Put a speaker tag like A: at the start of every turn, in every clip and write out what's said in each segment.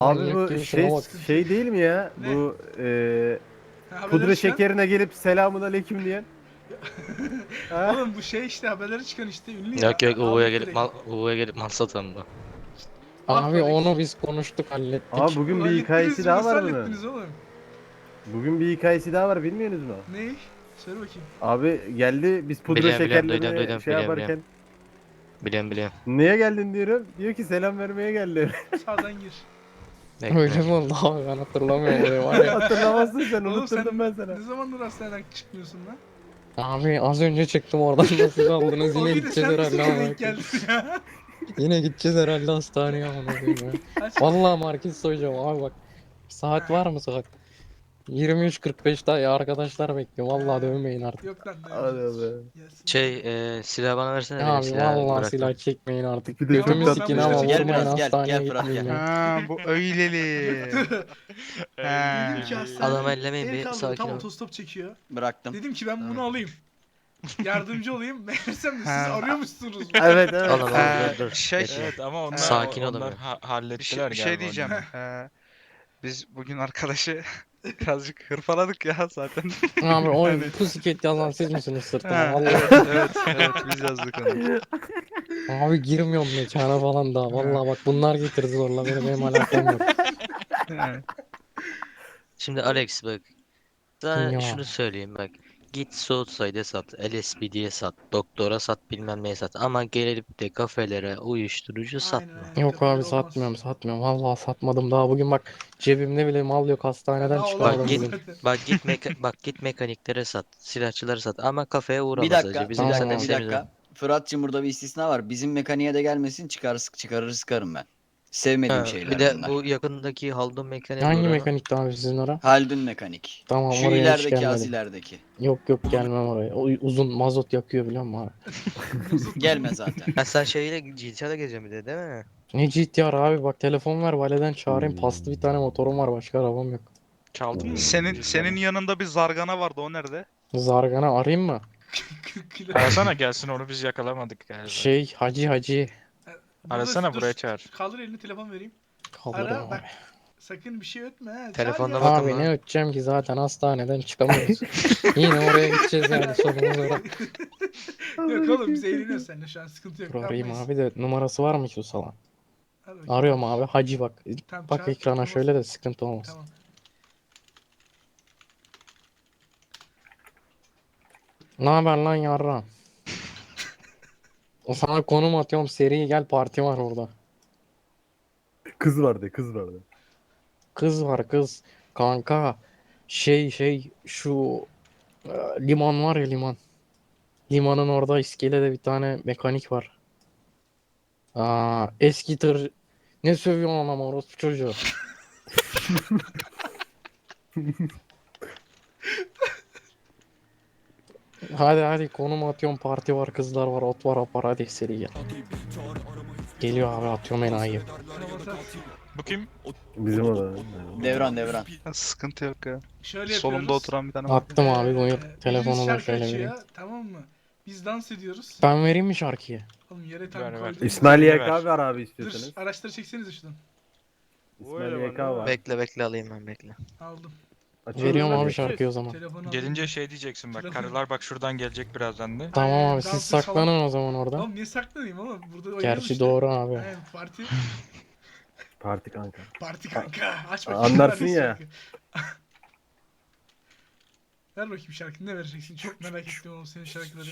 A: Abi
B: Manyak
A: bu
B: gibi şuna bak.
A: şey değil mi ya?
C: Ne?
A: Bu
C: Haberleri
A: pudra
C: çıkan.
A: şekerine gelip selamun aleyküm diyen. Ha?
C: Oğlum bu şey işte haberleri çıkan işte ünlü ya.
D: Yok yok Uğur'a
C: Avrupa
D: gelip
C: Birliği.
D: Uğur'a gelip mal satan bu.
C: Ah
B: Abi
C: be Rex.
B: onu biz konuştuk
A: Abi
B: hallettik.
A: bugün bir
C: Hallettiniz
A: hikayesi
C: mi?
A: daha
C: Nasıl
A: var bunun.
C: hallettiniz oğlum?
A: Bugün bir hikayesi daha var bilmiyorsunuz mu?
C: Ne? Söyle bakayım.
A: Abi geldi biz pudra
D: Biliyorum biliyorum
A: şekerlerini
D: duydum
A: şey
D: biliyorum biliyorum.
A: yaparken.
D: Biliyorum.
A: Niye geldin diyorum. Diyor ki selam vermeye geldi.
C: Sağdan gir.
B: Öyle
D: Bekle.
B: mi oldu abi, ben hatırlamıyorum orayı var ya.
A: Hatırlamazsın sen
C: Oğlum sen
A: unutturdum ben sana.
C: ne zamandır hastaneden çıkmıyorsun lan?
B: Abi az önce çıktım oradan, nasıl kaldınız,
C: O
B: yine
C: bir de
B: gideceğiz
C: sen nasıl
B: herhalde
C: denk
B: ama.
C: geldin ya?
B: Yine gideceğiz herhalde hastaneye ama ya.
C: Kaç?
B: Vallahi market soyacağım abi bak. Saat var mı saat? 23.45 daha arkadaşlar bekliyor. Vallahi dövmeyin artık.
C: Yok lan
A: Hadi
C: dayanacağız.
A: be.
C: Gelsin.
D: Silah bana versene benim
B: Abi
D: silahı
B: vallahi
D: bıraktım.
B: silah çekmeyin artık.
A: Bir de çok
B: Götümü
A: tatlı
B: sikin
A: ya.
B: ama
C: Gel
B: vurmayın,
C: biraz,
B: hastaneye
E: Fırat,
B: gitmeyin ya.
E: Ha bu öyleli.
C: Dedim ki hastaneden
D: Adamı ellemeyin
C: el
D: bir,
C: kaldırdı,
D: sakin
C: tam
D: ol.
C: otostop çekiyor.
E: Bıraktım.
C: Dedim ki ben bunu
D: Tamam.
C: alayım. Yardımcı olayım. Meğersem de siz
E: Ha.
C: arıyormuşsunuz.
A: Evet evet.
D: Oğlum dur.
E: Şey-
D: Bekle.
F: Evet ama onlar
D: Sakin
F: onlar
D: olamıyorum.
F: hallettiler
E: Bir şey
F: galiba
E: diyeceğim.
F: onu. Biz bugün arkadaşı birazcık hırpaladık ya zaten.
B: Abi o pusiket yazan siz misiniz sırtıma?
F: Ha,
B: Vallahi.
F: evet biz yazdık onu.
B: Abi girmiyorum mekana falan daha. Vallahi bak bunlar getirdi zorla beni, benim alakam yok.
F: Ha,
D: Şimdi Alex bak. Sana
B: Dinliyorum
D: şunu
B: abi.
D: söyleyeyim bak. Git Southside'e sat, LSPD'ye sat, doktora sat, bilmem neye sat. Ama gelip de kafelere uyuşturucu satma.
C: Aynen.
B: Yok
C: Kafalar
B: abi
C: olmaz.
B: satmıyorum. Vallahi satmadım daha. Bugün bak cebimde bile mal yok, hastaneden
C: Daha
B: çıkamadım
D: Bak
C: olamaz
D: git,
B: bugün.
C: zaten.
D: bak git mekaniklere sat, silahçıları sat. Ama kafeye uğrama
E: Bir dakika,
D: sadece.
E: bir
D: Bizim
B: Tamam
E: dakika,
D: zaten
B: abi.
E: bir
D: sevimiz o.
E: dakika. Fırat'cığım burada bir istisna var. Bizim mekaniğe de gelmesin, çıkarır sıkarım ben. Sevmediğim
D: Ha, bir
E: şeyler
D: de
E: bunlar.
D: bu yakındaki Haldun mekaniğe
B: Hangi
D: uğrama.
B: mekanikti abi sizin ora?
E: Haldun mekanik.
B: Tamam,
E: Şu
B: oraya hiç
E: ilerideki, az
B: gelmedim.
E: ilerideki.
B: Yok gelmem oraya. O uzun mazot yakıyor biliyor musun abi?
E: Gelme zaten.
D: Ha sen şeyle GTA'da gezeceksin bir de değil mi?
B: Ne GTR abi, bak telefon ver valeden çağırayım. Paslı bir tane motorum var, başka arabam yok.
F: Çaldın mı? Senin yanında bir zargana vardı, o nerede?
B: Zargana arayayım mı?
C: 40 kilo.
F: Arasana gelsin, onu biz yakalamadık galiba.
B: Şey Hacı.
C: Burada-
F: Arasana,
C: dur,
F: buraya çağır.
C: Kaldır elini, telefon vereyim.
B: Kaldırdım
C: Ara
B: abi.
C: bak. Sakın bir şey ötme ha.
D: Telefonda
C: Çağır ya.
D: bakın
B: Abi
D: lan.
B: ne öteceğim ki, zaten hastaneden çıkamıyoruz. Yine oraya gideceğiz yani, sonumuz orada.
C: Yok oğlum biz eğleniyoruz seninle şu an, sıkıntı yok.
B: Dur arayayım
C: yapmayız.
B: abi de, numarası var mı ki o salak?
C: Hadi bakayım.
B: Arıyorum abi, Hacı bak.
C: Tamam,
B: Bak
C: çağır,
B: ekrana
C: tamam.
B: şöyle de sıkıntı olmasın.
C: Tamam.
B: Ne haber lan yarra? O sana konum atıyorum, seri gel, parti var orada.
A: Kız vardı kız vardı.
B: Kız var kız. Kanka. Şu liman var ya, liman. Limanın orada iskelede bir tane mekanik var. Eski tır. Ne sövüyorsun ama orospu çocuğu. Hadi konum atıyorum, parti var, kızlar var, ot var, apar, hadi seri gel. Geliyor abi, atıyorum enayi.
C: Tamam.
F: Bu kim?
A: Bizim o da.
E: Devran.
F: Ha, sıkıntı yok ya.
C: Şöyle
F: Solumda
C: yapıyoruz.
F: oturan bir tane var.
B: Attım abi, buyur.
C: Biriniz
B: Telefonu da
C: şarkı
B: şöyle
C: açıyor,
B: vereyim.
C: tamam mı? Biz dans ediyoruz.
B: Ben vereyim mi şarkıyı?
C: Oğlum yere tam
F: Ver, ver.
C: koydum.
A: İsmail
F: Ver.
A: YK var abi
C: Dur,
A: istiyorsanız.
C: araçları çeksenize şuradan.
A: İsmail YK var.
D: Bekle alayım ben bekle.
C: Aldım.
A: Açıyorum
B: Veriyorum
A: ben
B: abi
A: de.
B: şarkıyı o zaman.
C: Telefonu aldım.
F: Gelince şey diyeceksin bak,
C: Telefon-
F: karılar bak şuradan gelecek birazdan de.
B: Tamam
C: Aynen,
B: abi, siz
C: dans et falan.
B: saklanın o zaman orada.
C: Oğlum niye saklanayım oğlum? Burada oynuyoruz
B: Gerçi
C: işte.
B: doğru abi.
C: Aynen, parti.
A: Parti kanka.
C: Parti kanka. Aç bakayım.
A: Anlarsın
C: ver
A: ya.
C: şarkı. Ver bakayım şarkı. Ne vereceksin? Çok merak ettim oğlum senin şarkıları.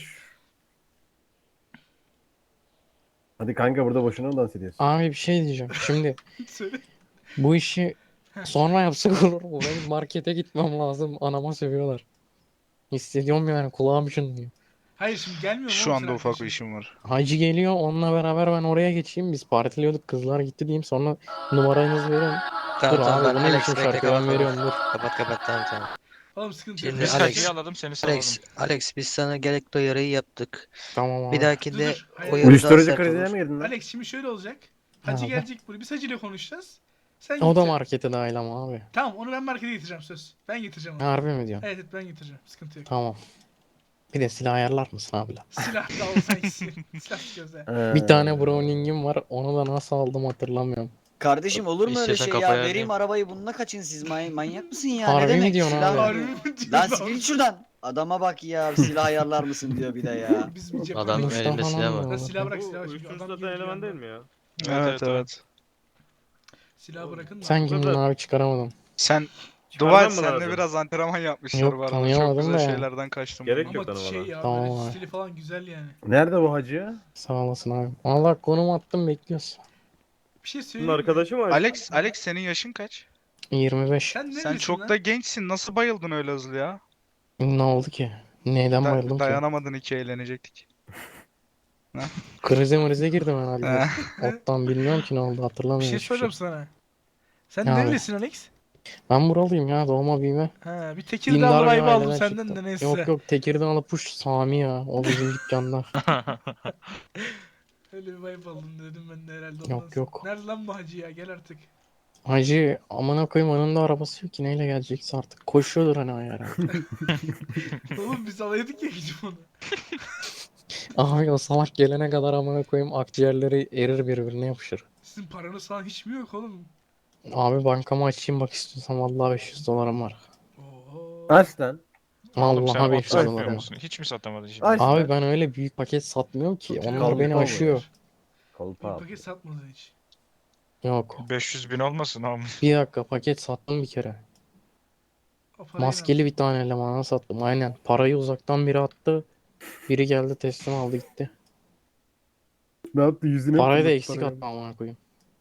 A: Hadi kanka burada boşuna mı dans ediyorsun?
B: Abi bir şey diyeceğim. Şimdi
C: Söyle.
B: bu işi sonra yapsak olur mu? Benim markete gitmem lazım. Anama sövüyorlar. Hissediyorum yani, kulağım çınlıyor.
C: Hayır şimdi gelmiyor mu
F: Şu
C: oğlum
F: anda
C: senin
F: ufak bir
C: arkadaşın?
F: işim var.
B: Hacı geliyor, onunla beraber ben oraya geçeyim. Biz partiliyorduk, kızlar gitti diyeyim, sonra numaranızı verin.
D: Tamam
B: Dur
D: tamam
B: abi, bu
D: ben
B: ne
D: Alex
B: biçim
D: bekle
B: şarkı, ben veriyorum dur.
D: kapat tamam.
C: Oğlum sıkıntı
D: Şimdi
C: yok.
F: Biz
D: Alex-
F: Hacı'yı aladım, seni salalım.
D: Alex biz sana gerekli uyarıyı yaptık.
B: Tamam
D: Bir
B: abi.
D: dahakinde
C: Dur. Hayır.
D: o yarı daha
A: Uyuşturucu
D: sert
A: krizine
D: olur.
A: mi girdin lan?
C: Alex şimdi şöyle olacak. Hacı
B: Abi.
C: gelecek buraya. Biz Hacı ile konuşacağız. Sen
B: O da
C: gideceksin.
B: markete dahil ama abi.
C: Tamam onu ben markete getireceğim söz. Ben getireceğim onu.
B: Harbi mi diyorsun?
C: Evet ben getireceğim. Sıkıntı yok.
B: Tamam. Bir de silah ayarlar mısın abi lan?
C: Silah da olsa gitsin. Silah gözle.
B: Bir tane Browning'im var. Onu da nasıl aldım hatırlamıyorum.
E: Kardeşim olur mu öyle
D: İstiyorsan
E: şey ya?
D: kafaya
E: Vereyim
D: alayım.
E: arabayı bununla kaçın siz manyak mısın ya?
B: Harbi
E: Ne
B: mi
E: demek?
B: diyorsun
E: Silah
B: abi?
C: Harbi
E: veriyor.
C: mi diyorsun
E: Lan
C: abi?
E: siktir git şuradan. Adama bak ya silah ayarlar mısın diyor bir de ya.
C: Biz bir cephe
D: Adam
B: Konuştan
D: elinde silah
B: falan
D: var.
B: mı
C: Ya
B: olur?
C: silah bırak
A: Bu
C: silah. Şimdi
A: uyuşturucu
C: adam
A: satan
C: gelir
A: eleman değil
C: yandan.
A: mi ya?
F: Evet evet.
C: Silahı bırakın da.
B: Sen
A: Bu
B: kimdin
A: kadar.
B: abi, çıkaramadım.
F: Sen
A: Çıkarmam
F: dua et
A: mı
F: senle
A: lazım?
F: biraz antrenman yapmışlar
B: Yok,
F: bu arada. Çok
B: tanıyamadım
F: güzel
B: da ya.
F: şeylerden kaçtım
A: Gerek
F: bugün.
A: yok
C: Ama
A: tanımana.
C: şey ya
B: Tamam
C: böyle
B: abi.
C: stili falan güzel yani.
A: Nerede bu hacı?
B: Sağ olasın abi. Allah konum attım, bekliyoruz.
C: Bir şey
A: Bunun
C: söyleyeyim mi?
A: arkadaşı mı hacı?
F: Alex senin yaşın kaç?
B: 25.
C: Sen
F: Sen
C: nerelisin
F: çok
C: lan?
F: da gençsin. Nasıl bayıldın öyle hızlı ya?
B: Ne oldu ki? Neyden bayıldım ki?
F: Dayanamadın, iki eğlenecektik.
B: Krize mrize girdim herhalde.
F: Eh,
B: Ottan bilmiyorum ki ne oldu,
C: Bir
B: hatırlamıyorum
C: şey
B: hiçbir şey.
C: soracağım sana. Sen
B: Ne abi?
C: nerelisin Alex?
B: Ben buralıyım ya, doğma büyüme.
C: Ha, bir
B: Dindar
C: Tekirdağlı
B: bir
C: vibe aldım
B: aileden
C: senden
B: çıktım.
C: de neyse.
B: Yok yok, Tekirdağlı puş Sami ya. O bizim dükkanda.
C: Öyle bir vibe aldım dedim ben de herhalde ondan
B: Yok,
C: sonra.
B: yok.
C: Nerede lan bu hacı ya gel artık.
B: Hacı amına koyayım, önünde arabası yok ki, neyle gelecekse artık. Koşuyordur hani o herhalde.
C: Oğlum biz alaydık ya gidip onu.
B: Abi o salak gelene kadar amına koyayım akciğerleri erir, birbirine yapışır.
C: Sizin paranız falan hiç mi yok oğlum?
B: Abi bankamı açayım bak istiyorsan, vallahi 500 dolarım var.
C: Oo.
A: Aç lan.
G: Oğlum sen
B: Vallahi
G: ot
B: 500
G: satmıyor
B: dolarım var.
G: musun? Hiç mi satamadın şimdi?
A: Aç
B: Abi
A: lan.
B: ben öyle büyük paket satmıyorum ki.
C: Satıyor
B: Onlar
C: oğlum,
B: beni
A: Kolpa
B: aşıyor.
A: olur. Kolpa
C: Bir
A: al.
C: paket satmadın hiç.
B: Yok.
G: 500 bin olmasın oğlum.
B: Bir dakika, paket sattım bir kere.
C: O parayı
B: Maskeli bir tane elemana sattım. Aynen. Parayı uzaktan biri attı. Biri geldi teslim aldı gitti.
A: Ne yaptı yüzüne?
B: Parayı da
A: fırlattı
B: eksik
A: parayı.
B: attı amına koyayım.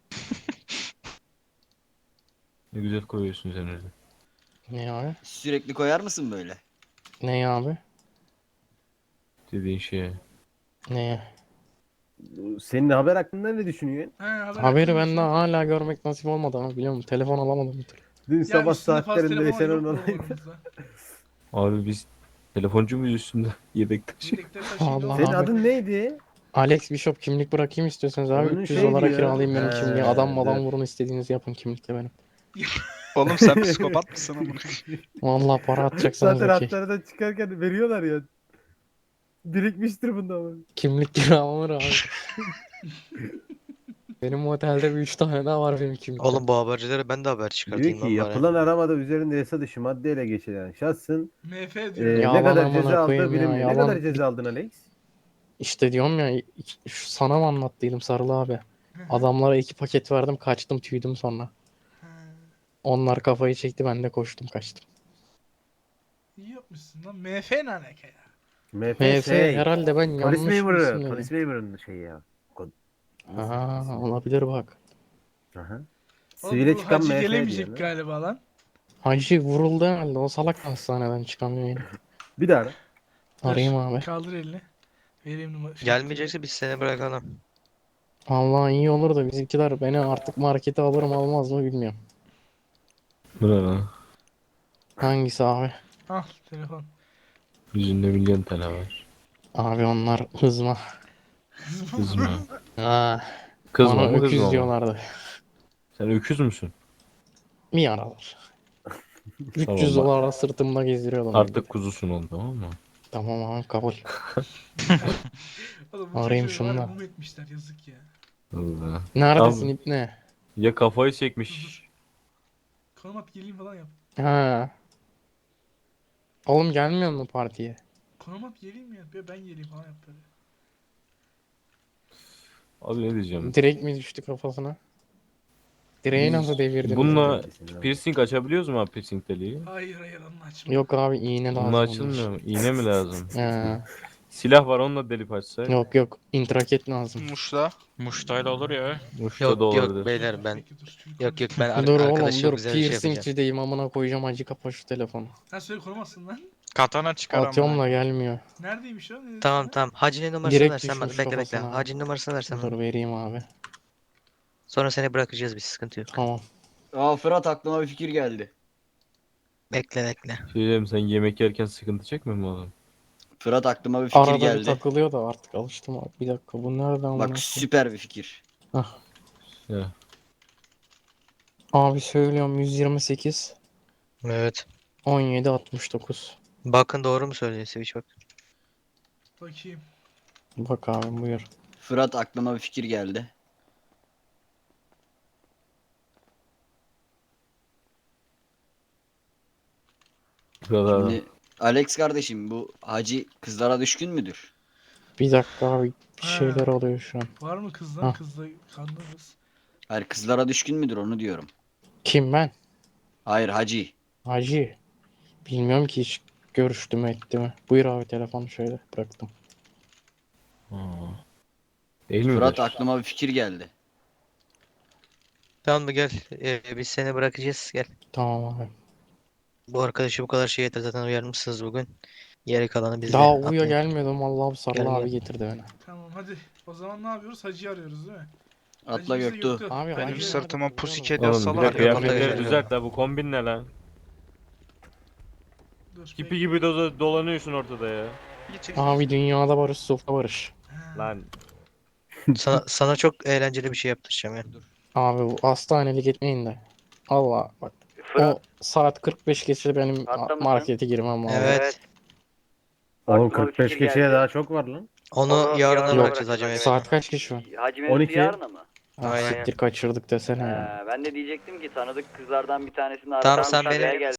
H: Ne güzel koyuyorsun sen öyle.
B: Ne abi?
E: Sürekli koyar mısın böyle?
B: Ne abi?
H: Dediğin şeye.
B: Ne?
A: Senin haber hakkında ne düşünüyorsun?
C: Haber
B: Haberi
C: hakkında
B: benden
C: mısın?
B: hala görmek nasip olmadı ama biliyor musun? Telefon alamadım bir türlü.
A: Dün
C: Ya
A: sabah
C: üstünde fazla
A: saatlerinde
C: telefon
A: yaşanan
C: yok mu
A: olaydı.
C: aramızda?
H: Abi biz telefoncu muyuz üstünde? Yedek taşı.
C: Yedekleri taşıyın
B: Allah
C: oğlum.
A: Senin
B: Abi.
A: adın neydi?
B: Alex Bishop, kimlik bırakayım istiyorsanız abi.
A: Onun
B: 300
A: şey
B: dolara
A: diyor.
B: kiralayayım benim
A: He,
B: kimliği. Adam madan
A: dur.
B: vurun, istediğinizi yapın, kimlikte benim.
F: Oğlum sen psikopat mısın amına?
B: Vallahi para atacaksanız
A: Zaten
B: okey.
A: hastaneden çıkarken veriyorlar ya. Birikmiştir bunda ama.
B: Kimlik kiralanır abi. Benim otelde bir 3 tane daha var benim kimlikte.
D: Oğlum bu habercilere ben de haber
A: Diyor
D: çıkartayım
A: ki
D: lan bari.
A: yapılan aramada üzerinde yasa dışı maddeyle geçilen şahsın
C: MF diyor.
B: Ya
A: ne kadar
B: yalan
A: ceza
B: amına
A: aldığı
B: koyayım ya,
A: bilinmiyor. Ne
B: yalan.
A: kadar ceza aldın Alex?
B: İşte diyorum ya, sana mı anlattıydım Sarılı abi. Adamlara 2 paket verdim, kaçtım, tüydüm sonra.
C: Ha,
B: Onlar kafayı çekti, ben de koştum kaçtım.
C: İyi yapmışsın lan. MF ne alaka ya?
A: MF
B: MF
A: şey.
B: herhalde, ben
A: Polis
B: yanlış
A: memuru.
B: mısın
A: Polis memurunun şeyi ya.
B: Ha, olabilir bak.
A: Aha.
C: Oğlum
A: Sivile
C: bu
A: çıkan
C: hacı
A: MF
C: gelemeyecek
A: diyor. lan.
C: galiba lan.
B: Hacı vuruldu herhalde, o salak hastaneden çıkamıyor yine.
A: Bir daha ara.
B: Arayayım
C: Dur,
B: abi.
C: Kaldır elini. Vereyim numara.
D: Gelmeyecekse biz seni bırakalım.
B: Vallahi iyi olur da bizimkiler beni artık markete alır mı almaz mı bilmiyorum.
H: Bu ne lan?
B: Hangisi abi?
C: Al telefon.
H: Yüzünde milyon tane var.
B: Abi onlar hızma.
H: Kızma.
B: Ha,
H: Kızma
B: bana
H: mı
B: öküz
H: kızma mı?
B: diyorlardı.
H: Sen öküz müsün?
B: Bir aralar. 300
H: Tamam, bak.
B: dolara sırtımda gezdiriyordum.
H: Artık kuzusun oldu, tamam mı?
B: Tamam abi, kabul.
C: Oğlum bu
B: Arayayım
C: çocuğu var ya,
B: şundan.
C: mum etmişler yazık ya.
H: Allah.
B: Neredesin
H: Abi.
B: ipne?
H: Ya kafayı çekmiş.
C: Konum at geleyim falan yap.
B: Ha. Oğlum gelmiyor mu partiye?
C: Konum at geleyim ya. Ben geleyim falan yap böyle.
H: Abi ne diyeceğim?
B: Direkt mi düştü kafasına? Direği nasıl devirdiniz?
H: Bununla piercing açabiliyoruz mu abi, piercing deliği?
C: Hayır onu açma.
B: Yok abi, iğne lazım.
H: Bununla
B: onun
H: açılmıyor mu? İğne mi lazım?
B: için. Ha.
H: Silah var, onunla delip açsak.
B: Yok yok, intraket lazım.
F: Muş'ta.
G: Muştayla olur ya.
H: Muş'ta
D: Yok
H: da
D: yok
H: olabilir.
D: beyler ben.
C: Peki, dur, çocuk
D: Yok yok
C: konuşuyor.
D: ben
B: Dur oğlum
D: arkadaşım
B: dur,
D: güzel bir şey yapacağım.
B: piercingçideyim, amına koyacağım, acı kapa şu telefonu.
C: Ha söyle konum atsın lan.
G: Katana çıkar
B: Atıyorum
G: ama.
B: da gelmiyor.
C: Neredeymiş o? Ne dedin
D: Tamam
C: sen?
D: tamam. Hacı'nın numarasını
B: Direkt
D: versen bana.
B: düşmüş
D: Bekle bekle.
B: kafasına.
D: Hacı'nın numarasını versen bana.
B: Dur vereyim abi.
D: Sonra seni bırakacağız biz, sıkıntı yok.
B: Tamam.
E: Aa Fırat aklıma bir fikir geldi.
D: Bekle bekle.
H: Şey diyeyim, sen yemek yerken sıkıntı çekmiyor mu oğlum?
E: Fırat aklıma bir fikir
B: Arada bir
E: geldi.
B: takılıyor da artık alıştım abi. Bir dakika, bu nereden amına
E: Bak
B: koyayım?
E: süper bir fikir.
H: Ya.
B: Abi söylüyorum, 128
D: Evet.
B: 17 69.
D: Bakın doğru mu söylüyor Switch bak.
C: Bakayım.
B: Bak abi, buyur.
E: Fırat aklıma bir fikir geldi.
H: Şurada
E: Şimdi Alex kardeşim bu Hacı kızlara düşkün müdür?
B: Bir dakika abi. Bir
C: Ha.
B: şeyler oluyor şu an.
C: Var mı kızlar?
B: Ha.
C: Kızla kanlarız.
E: Hayır kızlara düşkün müdür onu diyorum.
B: Kim ben?
E: Hayır Hacı.
B: Hacı. Bilmiyorum ki hiç görüştü mü etti mi. Buyur abi telefonu şöyle bıraktım.
H: değil mi?
E: Fırat aklıma bir fikir geldi.
D: Tamam mı gel. Biz seni bırakacağız. Gel.
B: Tamam abi.
D: Bu arkadaşı bu kadar şey yeter zaten uyarmışsınız bugün. Geri kalanı bizde.
B: Daha uya
D: Atlayın.
B: gelmiyordum. Vallahi Sarı
D: Gel,
B: abi
D: gel.
B: getirdi beni.
C: Tamam hadi. O zaman ne yapıyoruz? Hacı'yı arıyoruz değil mi?
E: Atla
C: Hacı bizi
E: Göktuğ.
B: Abi
F: Benim
B: Hacı
F: sırtıma
B: nerede biliyor
F: pussycat
B: musun?
H: Oğlum bir
F: yazsalar
H: dakika
F: ya.
D: kıyafetleri
H: kıyafetleri
D: düzelt
H: düzelt la bu kombin ne lan?
C: Dur.
H: Kipi gibi dolanıyorsun ortada ya.
B: Abi dünyada barış, sofra barış.
C: Ha.
H: Lan
D: Sana çok eğlenceli bir şey yaptıracağım ya.
B: Abi bu hastanelik etmeyin de. Allah bak. O saat 45 geçe benim markete girmem lazım.
D: Evet.
A: Oğlum 45 geçeye daha çok var lan.
D: Onu yarına
B: Yok.
D: bırakacağız hacı Mehmet.
B: Saat kaç ki şu an?
I: Hacı
A: 12.
I: yarına mı?
B: Ah,
D: Aynen.
B: siktir kaçırdık desene ya.
I: Ben de diyecektim ki tanıdık kızlardan bir tanesini
D: Tamam, sen
I: aradan
D: benim-
I: gel.